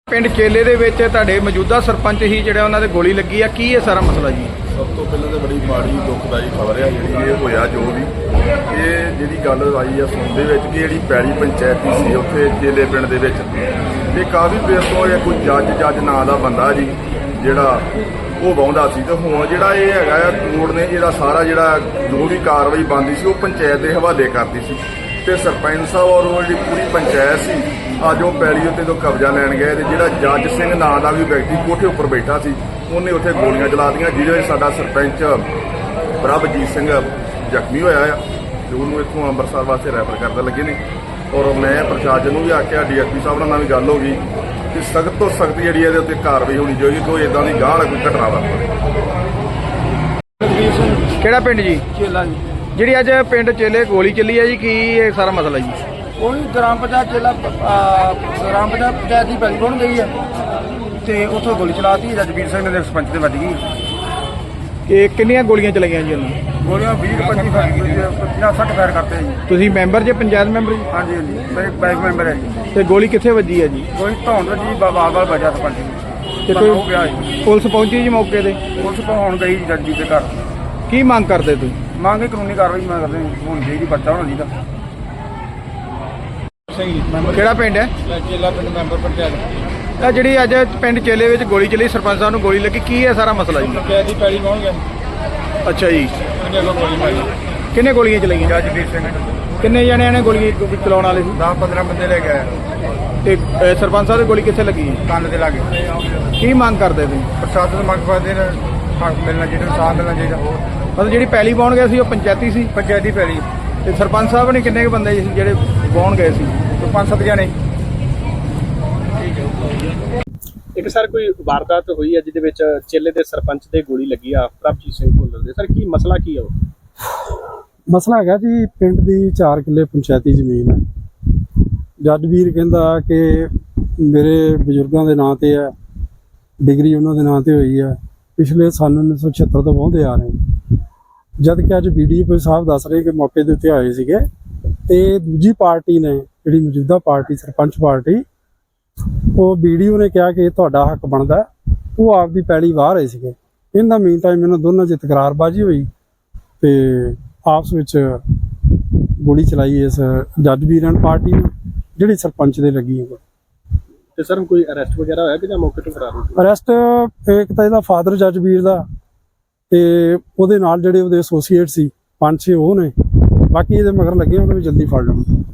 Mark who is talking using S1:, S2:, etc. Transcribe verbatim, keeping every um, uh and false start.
S1: ਪਿੰਡ ਚੇਲੇ ਦੇ ਵਿੱਚ ਤੁਹਾਡੇ ਮੌਜੂਦਾ ਸਰਪੰਚ ਹੀ ਜਿਹੜਾ ਉਹਨਾਂ ਦੇ ਗੋਲੀ ਲੱਗੀ ਆ, ਕੀ ਹੈ ਸਾਰਾ ਮਸਲਾ ਜੀ?
S2: ਸਭ ਤੋਂ ਪਹਿਲਾਂ ਤਾਂ ਬੜੀ ਮਾੜੀ ਦੁਖਦਾਈ ਖਬਰ ਹੈ ਜਿਹੜੀ ਇਹ ਹੋਇਆ ਜੋ ਵੀ ਇਹ ਜਿਹੜੀ ਗੱਲ ਆਈ ਆ ਸੁਣ ਦੇ ਵਿੱਚ ਕਿ ਜਿਹੜੀ ਪੈਲੀ ਪੰਚਾਇਤੀ ਸੀ ਉੱਥੇ ਚੇਲੇ ਪਿੰਡ ਦੇ ਵਿੱਚ ਤੇ ਕਾਫੀ ਦੇਰ ਤੋਂ ਇਹ ਕੋਈ ਜੱਜ ਜੱਜ ਨਾਂ ਦਾ ਬੰਦਾ ਜੀ ਜਿਹੜਾ ਉਹ ਵਾਹੁੰਦਾ ਸੀ ਤੇ ਹੁਣ ਜਿਹੜਾ ਇਹ ਹੈਗਾ ਆ ਕੋਰਟ ਨੇ ਜਿਹੜਾ ਸਾਰਾ ਜਿਹੜਾ ਜੋ ਵੀ ਕਾਰਵਾਈ ਬਣਦੀ ਸੀ ਉਹ ਪੰਚਾਇਤ ਦੇ ਹਵਾਲੇ ਕਰਦੀ ਸੀ ਤੇ ਸਰਪੰਚ ਸਾਹਿਬ ਔਰ ਉਹ ਜਿਹੜੀ ਪੂਰੀ ਪੰਚਾਇਤ ਸੀ ਅੱਜ ਉਹ ਪੈਲੀ ਉੱਤੇ ਤੋਂ ਕਬਜ਼ਾ ਲੈਣ ਗਏ ਤੇ ਜਿਹੜਾ ਜੱਜ ਸਿੰਘ ਨਾਂ ਦਾ ਵੀ ਵਿਅਕਤੀ ਕੋਠੇ ਉੱਪਰ ਬੈਠਾ ਸੀ ਉਹਨੇ ਉੱਥੇ ਗੋਲੀਆਂ ਚਲਾ ਦਿੱਤੀਆਂ ਜਿਹਦੇ ਵਿੱਚ ਸਾਡਾ ਸਰਪੰਚ ਪ੍ਰਭਜੀਤ ਸਿੰਘ ਜ਼ਖਮੀ ਹੋਇਆ ਆ ਤੇ ਉਹਨੂੰ ਇੱਥੋਂ ਅੰਮ੍ਰਿਤਸਰ ਵਾਸਤੇ ਰੈਫਰ ਕਰਨ ਲੱਗੇ ਨੇ ਔਰ ਮੈਂ ਪ੍ਰਸ਼ਾਸਨ ਨੂੰ ਵੀ ਆਖਿਆ ਡੀ ਐਸ ਪੀ ਸਾਹਿਬ ਨਾਲ ਵੀ ਗੱਲ ਹੋ ਗਈ ਕਿ ਸਖਤ ਤੋਂ ਸਖਤ ਜਿਹੜੀ ਇਹਦੇ ਉੱਤੇ ਕਾਰਵਾਈ ਹੋਣੀ ਚਾਹੀਦੀ ਕੋਈ ਇਦਾਂ ਦੀ ਗਾਹ ਕੋਈ ਘਟਨਾ ਵਾਪਰੇ।
S1: ਕਿਹੜਾ ਪਿੰਡ ਜੀ?
S3: ਚੇਲਾ ਜੀ।
S1: ਜਿਹੜੀ ਅੱਜ ਪਿੰਡ ਚੇਲੇ ਗੋਲੀ ਚੱਲੀ ਹੈ ਜੀ, ਕੀ ਇਹ ਸਾਰਾ ਮਸਲਾ ਜੀ?
S3: ਉਹੀ ਗ੍ਰਾਮ ਪੰਚਾਇਤ ਚੇਲਾ ਗ੍ਰਾਮ ਪੰਚਾਇਤ ਪੰਚਾਇਤ ਦੀ ਪੈਲੀ ਬਣ ਗਈ ਹੈ ਤੇ ਉੱਥੋਂ ਗੋਲੀ ਚਲਾਤੀ ਰਜਵੀਰ ਸਿੰਘ ਦੇ ਸਰਪੰਚ ਤੇ ਵੱਜ ਗਈ।
S1: ਇਹ ਕਿੰਨੀਆਂ ਗੋਲੀਆਂ ਚਲਾਈਆਂ ਜੀ ਉਹਨਾਂ?
S3: ਗੋਲੀਆਂ ਵੀਹ ਪੱਚੀ ਪੰਜਾਹ ਸੱਠ ਫਾਇਰ ਕਰਤੇ ਜੀ।
S1: ਤੁਸੀਂ ਮੈਂਬਰ ਜੇ ਪੰਚਾਇਤ ਮੈਂਬਰ ਜੀ?
S3: ਹਾਂਜੀ ਹਾਂਜੀ ਮੇਰੇ ਬਾਈਕ ਮੈਂਬਰ ਹੈ ਜੀ।
S1: ਤੇ ਗੋਲੀ ਕਿੱਥੇ ਵੱਜੀ ਹੈ ਜੀ?
S3: ਗੋਲੀ ਧੌਣ ਵੱਜੀ ਬਾਬਾ ਵਾਲ ਵਜਾ ਸਰਪੰਚ ਜੀ
S1: ਤੇ
S3: ਕੋਈ ਪਿਆ ਜੀ।
S1: ਪੁਲਿਸ ਪਹੁੰਚੀ ਜੀ ਮੌਕੇ ਤੇ?
S3: ਪੁਲਿਸ ਪਹੁੰਚ ਗਈ ਜੱਜੀ ਦੇ ਘਰ।
S1: ਕੀ ਮੰਗ ਕਰਦੇ ਤੁਸੀਂ?
S3: ਮੰਗ ਕੇ ਕਾਨੂੰਨੀ ਕਾਰਵਾਈ ਮੈਂ ਕਰਦੇ ਹੋਣੀ ਚਾਹੀਦੀ, ਬੱਚਾ ਹੋਣਾ ਚਾਹੀਦਾ।
S1: ਕਿਹੜਾ ਪਿੰਡ ਹੈ?
S3: ਚੇਲਾ ਪਿੰਡ ਮੈਂਬਰ ਪੰਚਾਇਤ।
S1: ਇਹ ਜਿਹੜੀ ਅੱਜ ਪਿੰਡ ਚੇਲੇ ਵਿੱਚ ਗੋਲੀ ਚੱਲੀ, ਸਰਪੰਚ ਸਾਹਿਬ ਨੂੰ ਗੋਲੀ ਲੱਗੀ, ਕੀ ਹੈ ਸਾਰਾ ਮਸਲਾ ਜੀ?
S3: ਪੰਚਾਇਤ ਦੀ ਪੈਲੀ ਪਹੁੰਚ ਗਿਆ।
S1: ਅੱਛਾ ਜੀ,
S3: ਉਹਨੇ ਅੱਗੋਂ ਗੋਲੀ ਮਾਰੀ।
S1: ਕਿੰਨੇ ਗੋਲੀਆਂ ਚਲਾਈਆਂ?
S3: ਜੱਜਵੀਰ ਸਿੰਘ।
S1: ਕਿੰਨੇ ਜਣਿਆਂ ਨੇ ਗੋਲੀ ਚਲਾਉਣ ਵਾਲੇ ਸੀ?
S3: ਦਸ ਪੰਦਰਾਂ ਬੰਦੇ ਲੈ ਗਏ
S1: ਤੇ ਅ, ਸਰਪੰਚ ਸਾਹਿਬ ਦੀ ਗੋਲੀ ਕਿੱਥੇ ਲੱਗੀ?
S3: ਕੰਨ ਦੇ ਲਾਗੇ।
S1: ਕੀ ਮੰਗ ਕਰਦੇ ਤੁਸੀਂ?
S3: ਪ੍ਰਸ਼ਾਸਨ ਮੰਗ ਕਰਦੇ ਨੇ ਹੱਕ ਮਿਲਣਾ ਚਾਹੀਦਾ, ਇਨਸਾਫ ਮਿਲਣਾ ਚਾਹੀਦਾ।
S1: ਮਤਲਬ ਜਿਹੜੀ ਪੈਲੀ ਪਾਉਣ ਗਏ ਸੀ ਉਹ ਪੰਚਾਇਤੀ ਸੀ?
S3: ਪੰਚਾਇਤੀ ਪੈਲੀ।
S1: ਤੇ ਸਰਪੰਚ ਸਾਹਿਬ ਨੇ ਕਿੰਨੇ ਕੁ ਬੰਦੇ ਸੀ ਜਿਹੜੇ ਪਾਉਣ ਗਏ ਸੀ?
S3: ਤੇ ਪੰਜ ਸੱਤ ਜਣੇ।
S4: ਇੱਕ ਸਰ ਕੋਈ ਵਾਰਦਾਤ ਹੋਈ ਹੈ ਜਿਹਦੇ ਵਿੱਚ ਚੇਲੇ ਦੇ ਸਰਪੰਚ ਦੇ ਗੋਲੀ ਲੱਗੀ ਆ, ਪ੍ਰਭਜੀਤ ਸਿੰਘ ਭੁੱਲਰ ਦੇ। ਸਰ ਕੀ ਮਸਲਾ ਕੀ ਆ ਉਹ?
S5: ਮਸਲਾ ਹੈਗਾ ਜੀ, ਪਿੰਡ ਦੀ ਚਾਰ ਕਿੱਲੇ ਪੰਚਾਇਤੀ ਜ਼ਮੀਨ ਹੈ। ਜੱਜ ਵੀਰ ਕਹਿੰਦਾ ਕਿ ਮੇਰੇ ਬਜ਼ੁਰਗਾਂ ਦੇ ਨਾਂ ਤੇ ਹੈ, ਡਿਗਰੀ ਉਹਨਾਂ ਦੇ ਨਾਂ ਤੇ ਹੋਈ ਹੈ, ਪਿਛਲੇ ਸਾਲ ਉੱਨੀ ਸੌ ਛਿਹੱਤਰ ਤੋਂ ਵਾਹੁੰਦੇ ਆ ਰਹੇ। ਜਦ ਕਿ ਅੱਜ ਬੀ ਡੀ ਓ ਸਾਹਿਬ ਦੱਸ ਰਹੇ ਕਿ ਮੌਕੇ ਦੇ ਉੱਤੇ ਆਏ ਸੀਗੇ ਤੇ ਦੂਜੀ ਪਾਰਟੀ ਨੇ ਜਿਹੜੀ ਮੌਜੂਦਾ ਪਾਰਟੀ ਸਰਪੰਚ ਪਾਰਟੀ, ਉਹ ਬੀ ਡੀ ਓ ਨੇ ਕਿਹਾ ਕਿ ਇਹ ਤੁਹਾਡਾ ਹੱਕ ਬਣਦਾ, ਉਹ ਆਪਦੀ ਪੈਲੀ ਵਾਹ ਰਹੇ ਸੀਗੇ। ਇਨ ਦਾ ਮੀਨ ਟਾਈਮ ਇਹਨਾਂ ਦੋਨਾਂ 'ਚ ਤਕਰਾਰਬਾਜ਼ੀ ਹੋਈ ਤੇ ਆਪਸ ਵਿੱਚ ਗੋਲੀ ਚਲਾਈ ਇਸ ਜੱਜ ਵੀਰਾਂ ਪਾਰਟੀ ਨੂੰ ਜਿਹੜੀ ਸਰਪੰਚ ਦੇ ਲੱਗੀ।
S4: ਤੇ ਸਰ ਕੋਈ ਅਰੈਸਟ ਵਗੈਰਾ ਹੋਇਆ ਕਿ ਜਾਂ ਮੌਕੇ ਤੋਂ ਫਰਾਰ ਹੋ ਗਏ?
S5: ਅਰੈਸਟ ਇੱਕ ਤਾਂ ਇਹਦਾ ਫਾਦਰ ਜੱਜ ਵੀਰ ਦਾ ਤੇ ਉਹਦੇ ਨਾਲ ਜਿਹੜੇ ਉਹਦੇ ਐਸੋਸੀਏਟ ਸੀ ਪੰਜ ਛੇ ਉਹ ਨੇ, ਬਾਕੀ ਇਹਦੇ ਮਗਰ ਲੱਗੇ ਉਹਨਾਂ ਨੂੰ ਜਲਦੀ ਫੜ ਲੈਣ।